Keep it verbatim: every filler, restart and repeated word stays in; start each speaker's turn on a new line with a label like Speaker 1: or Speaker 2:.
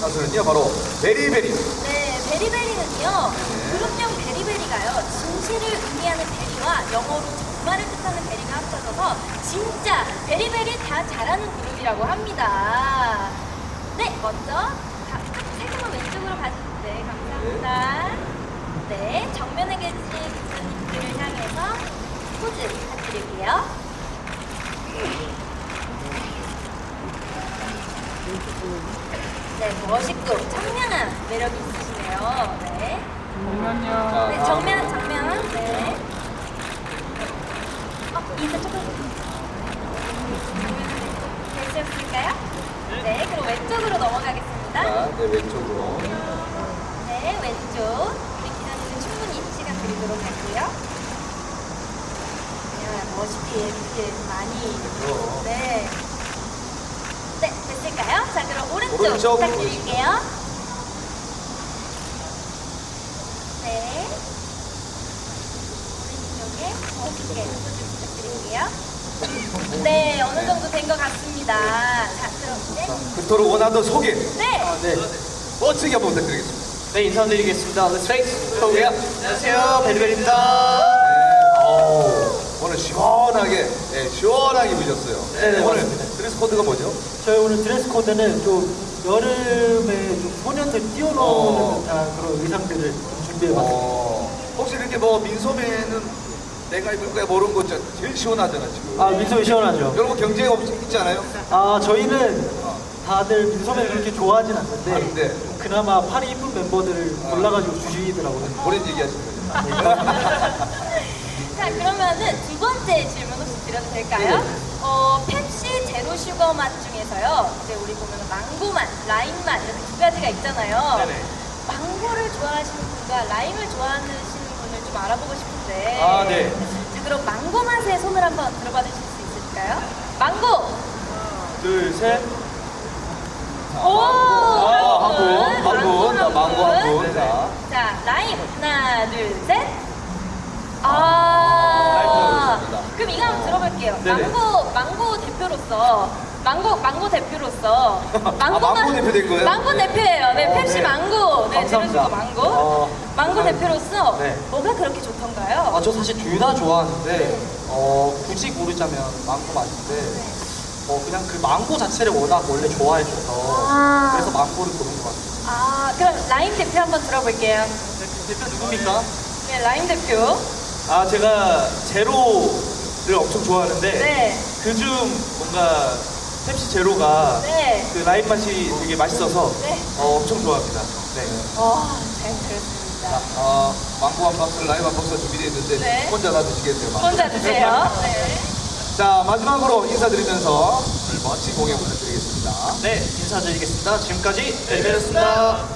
Speaker 1: 가수는요 바로 베리베리.
Speaker 2: 네, 베리베리는요 그룹명 베리베리가요 진실을 의미하는 베리와 영어로 정말을 뜻하는 베리가 합쳐져서 진짜 베리베리 다 잘하는 그룹이라고 합니다. 네, 먼저 가- 살짝만 왼쪽으로 가주세요. 네, 감사합니다. 네, 정면에 계신 기자님들을 향해서 포즈 부탁드릴게요. 네, 멋있고 청량한 매력이 있으시네요. 네.
Speaker 3: 잠깐만요.
Speaker 2: 네, 정면, 정면. 네. 어, 인사 조금. 되셨을까요? 네, 그럼 왼쪽으로 넘어가겠습니다.
Speaker 1: 자, 네, 왼쪽으로.
Speaker 2: 네, 왼쪽. 우리 기자님은 충분히 시간 드리도록 할게요. 야, 멋있게 이렇게 많이.
Speaker 1: 그럼.
Speaker 2: 네. 네, 됐을까요? 자, 그럼 오른쪽,
Speaker 1: 오른쪽
Speaker 2: 부탁드릴게요. 네. 오른쪽에 멋있게 포즈 부탁드릴게요. 네, 어느 정도 된 것 같습니다. 자, 그럼 이제.
Speaker 1: 그토록 원하던 소개.
Speaker 2: 네.
Speaker 3: 아, 네.
Speaker 1: 멋지게 한번 부탁드리겠습니다.
Speaker 3: 네, 인사드리겠습니다. Let's face 소개요. 안녕하세요, 베리베리입니다.
Speaker 1: 네. 어우, 오늘 시원하게, 네, 시원하게 입으셨어요.
Speaker 3: 네네,
Speaker 1: 오늘
Speaker 3: 맞습니다.
Speaker 1: 드레스 코드가 뭐죠?
Speaker 3: 저희 오늘 드레스 코드는 좀 여름에 좀 소년들 뛰어노는
Speaker 1: 어.
Speaker 3: 듯한 그런 의상들을 좀 준비해봤습니다.
Speaker 1: 어, 혹시 이렇게 뭐 민소매는 내가 입을 거야 모르는 거 진짜 제일 시원하잖아 지금.
Speaker 3: 아, 민소매 시원하죠?
Speaker 1: 이런 거 경쟁 없 있지 않아요?
Speaker 3: 아, 저희는 다들 민소매 그렇게 좋아하진 않는데
Speaker 1: 아, 근데?
Speaker 3: 그나마 팔이 이쁜 멤버들을
Speaker 1: 아.
Speaker 3: 골라가지고 주시더라고요.
Speaker 1: 본인 얘기하시는 거죠.
Speaker 2: 자, 그러면은 두 번째 질문 혹시 드려도 될까요?
Speaker 1: 네.
Speaker 2: 어, 펩시 제로 슈거 맛 중에서요. 이제 우리 보면은 망고 맛, 라임 맛 이렇게 두 가지가 있잖아요.
Speaker 3: 네네.
Speaker 2: 망고를 좋아하시는 분과 라임을 좋아하시는 분을 좀 알아보고 싶은데.
Speaker 3: 아, 네.
Speaker 2: 자, 그럼 망고 맛에 손을 한번 들어봐 주실 수 있을까요? 망고!
Speaker 3: 둘, 셋.
Speaker 2: 오!
Speaker 1: 아, 한 분, 한
Speaker 2: 망고
Speaker 1: 분, 자, 망고 한 분.
Speaker 3: 네네.
Speaker 1: 자,
Speaker 2: 자, 라임 하나, 둘, 셋.
Speaker 1: 라임
Speaker 2: 아,
Speaker 1: 들어보겠습니다.
Speaker 2: 그럼 이거 한번 들어볼게요.
Speaker 3: 네네.
Speaker 2: 망고, 망고 대표로서, 망고, 망고 대표로서,
Speaker 1: 아, 망고 대표 된 거예요?
Speaker 2: 망고 대표예요. 네,
Speaker 1: 어,
Speaker 2: 펩시
Speaker 1: 네.
Speaker 2: 망고, 네,
Speaker 3: 감사합니다.
Speaker 2: 제로슈거 망고,
Speaker 3: 어,
Speaker 2: 망고
Speaker 3: 아,
Speaker 2: 대표로서
Speaker 3: 네.
Speaker 2: 뭐가 그렇게 좋던가요?
Speaker 4: 아, 저 사실 둘 다 좋아하는데,
Speaker 2: 네.
Speaker 4: 어, 굳이 고르자면 망고 맛인데, 어, 그냥 그 망고 자체를 워낙 원래 좋아해줘서,
Speaker 2: 아.
Speaker 4: 그래서 망고를 고른 것 같아요.
Speaker 2: 아, 그럼 라임 대표 한번 들어볼게요.
Speaker 4: 대표 누굽니까?
Speaker 2: 네, 라임 대표.
Speaker 5: 아, 제가 제로를 엄청 좋아하는데
Speaker 2: 네,
Speaker 5: 그중 뭔가 펩시 제로가
Speaker 2: 네,
Speaker 5: 그 라임 맛이 되게 맛있어서
Speaker 2: 네.
Speaker 5: 어, 엄청 좋아합니다. 네.
Speaker 2: 와, 잘 들었습니다.
Speaker 1: 아, 망고 한 박스, 라임 한 박스 준비되어 있는데
Speaker 2: 네.
Speaker 1: 혼자 놔두시겠네요. 망고.
Speaker 2: 혼자 드세요. 네.
Speaker 1: 자, 마지막으로 인사드리면서 오늘 멋진 공연 부탁드리겠습니다.
Speaker 4: 네, 인사드리겠습니다. 지금까지 베리베리였습니다.